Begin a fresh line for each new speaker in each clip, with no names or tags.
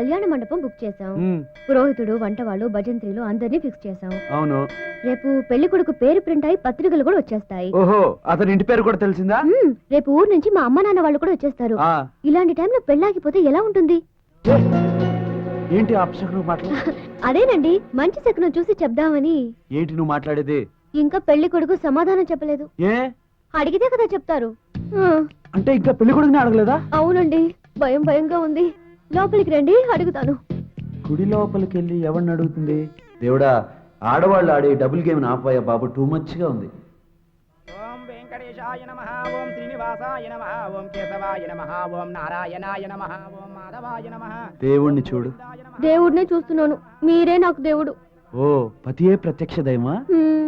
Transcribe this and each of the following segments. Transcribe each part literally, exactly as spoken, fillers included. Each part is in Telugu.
కళ్యాణ మండపం బుక్ చేసాం. పురోహితుడు, వంట వాళ్ళు, భజంత్రీలు అందరినీ ఫిక్స్ చేసాం.
అవును.
రేపు పెళ్లి కొడుకు పేరు ప్రింట్ అయి పత్రికలు కూడా వచ్చేస్తాయి.
ఓహో, అతని ఇంటి పేరు కూడా తెలిసిందా?
రేపు ఊరు నుంచి మా అమ్మ నాన్న వాళ్ళు కూడా వచ్చేస్తారు. ఇలాంటి టైంలో పెళ్ళాగిపోతే ఎలా ఉంటుంది?
ఏంటి అపశకునం మాటలు?
అదేనండి, మంచి శకునం చూసి చెప్దామని.
ఏంటి నువ్వు మాట్లాడేది?
ఇంకా పెళ్లి కొడుకు సమాధానం చెప్పలేదు.
ఏ
అడిగితే కదా చెప్తారు.
అంటే ఇంకా పెళ్లి కొడుకుని అడగలేదా?
అవునండి, భయం భయంగా ఉంది. లోపలికి రండి, అడుగుతాను.
గుడి లోపలికి వెళ్ళి ఎవరిని అడుగుతుంది? దేవుడా, ఆడవాళ్ళు ఆడే డబుల్ గేమ్ ఆపాయా బాబు, టూ మచ్ గా ఉంది.
ఓం వెంకటేశాయ నమః, ఓం శ్రీనివాసాయ నమః, ఓం కేశవాయ నమః, ఓం నారాయణాయ నమః, ఓం మాధవాయ నమః.
దేవుణ్ణి చూడు.
దేవుడినే చూస్తున్నాను, మీరే నాకు దేవుడు.
ఓ, పతియే ప్రత్యక్ష దైవమా?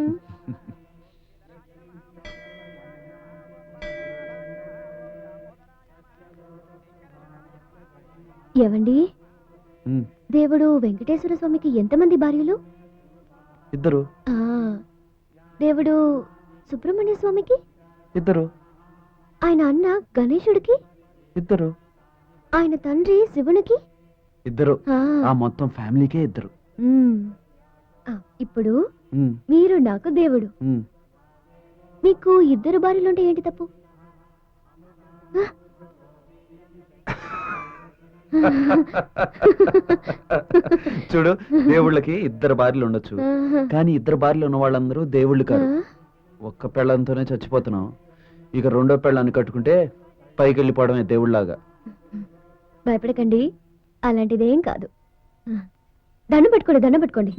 ఏవండి, దేవుడు వెంకటేశ్వర స్వామికి ఎంతమంది భార్యలు?
ఇద్దరు.
దేవుడు సుబ్రహ్మణ్య స్వామికి?
ఇద్దరు.
ఆయన అన్న గణేశుడికి?
ఇద్దరు.
ఆయన తండ్రి శివునికి?
ఇద్దరు. ఆ మొత్తం ఫ్యామిలీకే ఇద్దరు.
ఇప్పుడు మీరు నాకు దేవుడు, మీకు ఇద్దరు భార్యలుంటే ఏంటి తప్పు?
చూడు, దేవుళ్ళకి ఇద్దరు భార్యలు ఉండొచ్చు, కానీ ఇద్దరు భార్యలు ఉన్న వాళ్ళందరూ దేవుళ్ళు కాదు. ఒక్క పెళ్ళంతోనే చచ్చిపోతున్నాం, ఇక రెండో పెళ్ళాన్ని కట్టుకుంటే పైకి వెళ్ళిపోవడమే దేవుళ్ళలాగా.
భయపడకండి, అలాంటిదేం కాదు. దండం పెట్టుకోండి, దండం పెట్టుకోండి.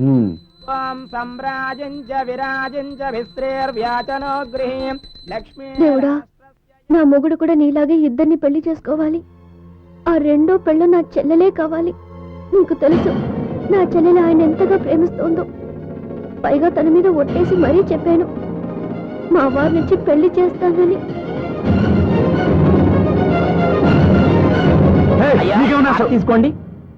దేవుడా, నా మొగుడు కూడా నీలాగే ఇద్దరిని పెళ్లి చేసుకోవాలి. ఆ రెండో పెళ్ళ నా చెల్లెలే కావాలి. నీకు తెలుసు నా చెల్లెలు ఆయన ఎంతగా ప్రేమిస్తోందో. పైగా తన మీద ఒట్టేసి మరీ చెప్పాను, మా వారి నుంచి పెళ్లి చేస్తానని.
తీసుకోండి,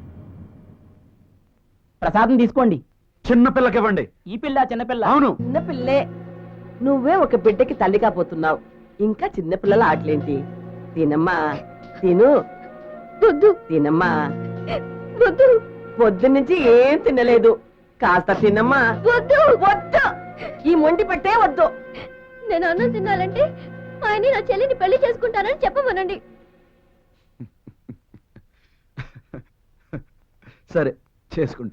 ప్రసాదం తీసుకోండి.
చిన్న పిల్లకి ఇవ్వండి.
ఈ పిల్ల చిన్నపిల్ల?
అవును,
చిన్న పిల్లే. నువ్వే ఒక బిడ్డకి తల్లి కాబోతున్నావు, ఇంకా చిన్న పిల్లల ఆటలేంటి? తినమ్మా, తిను.
వద్దు
తినమ్మా,
వద్దు.
పొద్దు నుంచి ఏం తినలేదు, కాస్త తినమ్మా.
వద్దు
వద్దు, ఈ మొండి పట్టే వద్దు.
నేను అన్నం తినాలంటే ఆయన నా చెల్లిని పెళ్లి చేసుకుంటానని చెప్పమనండి.
సరే, చేసుకుంటా.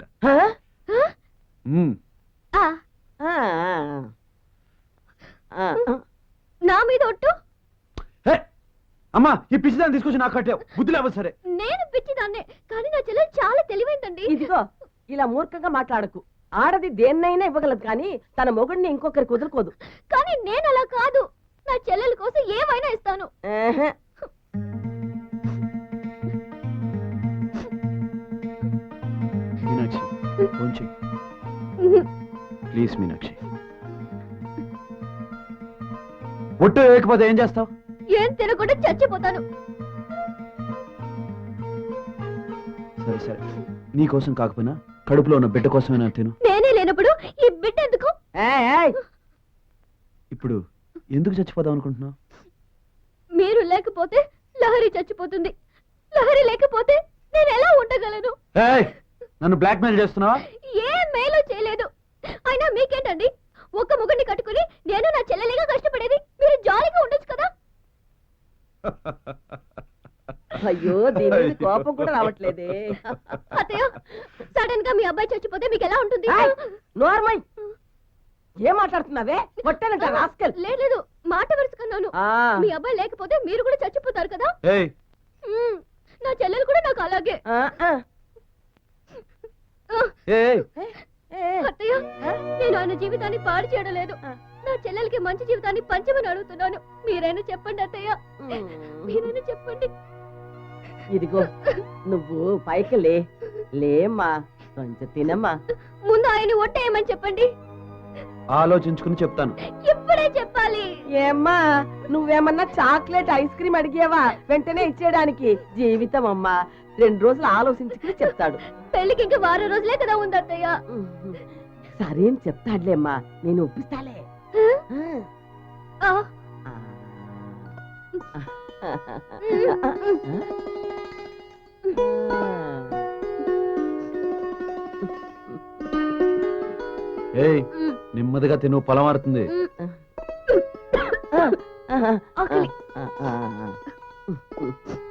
నా మీద ఒట్టు?
అమ్మా, ఈ పిచ్చిదాన్ని తీసుకొచ్చి నాకు కట్టావు, బుద్ధి లేవు. సరే,
నేను పిచ్చిదాన్నే, కానీ నా చెల్లెలు చాలా తెలివైందండి.
ఇదిగో, ఇలా మూర్ఖంగా మాట్లాడకు. ఆడది దేన్నైనా ఇవ్వగలదు, కానీ తన మొగుడిని ఇంకొకరికి వదులుకోదు.
కానీ నేను అలా కాదు, నా చెల్లెల కోసం ఏమైనా ఇస్తాను.
మీనాక్షి, ఫోన్ చెయ్యి ప్లీజ్. మీనాక్షి, ఒట్టు వేయకపోతే ఏం చేస్తావు?
ఏం తినకుండా చచ్చిపోతాను.
సరే సరే, నీ కోసం కాకపోయినా కడుపులో ఉన్న బిడ్డ కోసమైనా తిను.
నేనే లేనప్పుడు ఈ బిడ్డ ఎందుకు?
ఇప్పుడు ఎందుకు చచ్చిపోదాం అనుకుంటున్నావు?
మీరు లేకపోతే లహరి చచ్చిపోతుంది, లహరి లేకపోతే నేను ఎలా ఉండగలను?
నన్ను బ్లాక్ మెయిల్ చేస్తున్నావా?
ఏ మేలు చేయలేదు. అయినా మీకేంటండి, ఒక్క ముగ్గురిని కట్టుకుని నేను నా చెల్లెలిగా కష్టపడేది. మీరు జాలీగా ఉండొచ్చు కదా.
అయ్యో, దీని కోపం కూడా రావట్లేదే.
అత్తయ్య, సడన్ గా మీ అబ్బాయి చచ్చిపోతే మీకు ఎలా ఉంటుంది?
నోర్మై, ఏం మాట్లాడుతున్నావే? కొట్టానంట రాస్కల్.
లేదు, మాట వరుసకన్నాను. మీ అబ్బాయి లేకపోతే మీరు కూడా చచ్చిపోతారు కదా. నా చెల్లెలు కూడా నాకు అలాగే. అత్తయ్య, నేను ఆయన జీవితాన్ని పాడు చేయడం లేదు. నా చెల్లెలకి మంచి జీవితాన్ని పంచమని అడుగుతున్నాను. మీరైనా చెప్పండి అత్తయ్య, మీరైనా చెప్పండి.
ఇదిగో, నువ్వు పైకి లే లేమ్మా, కొంచెం తినమ్మా.
ముందు ఆయన ఒట్టేయమని చెప్పండి.
ఆలోచించుకుని చెప్తాను.
ఇప్పుడే చెప్పాలి.
ఏమ్మా, నువ్వేమన్నా చాక్లెట్ ఐస్ క్రీమ్ అడిగేవా వెంటనే ఇచ్చేయడానికి? జీవితం అమ్మా, రెండు రోజులు ఆలోచించుకుని చెప్తాడు.
పెళ్లికి ఇంకా వారం రోజులే కదా ఉంది అత్తయ్య.
సరే అని చెప్తాడులేమ్మా, నేను ఒప్పిస్తాలే.
ఏయ్ నెమ్మదిగా తిను పొలం మారుతుంది
ఆకలి.
ఆ, ఆ, ఆ.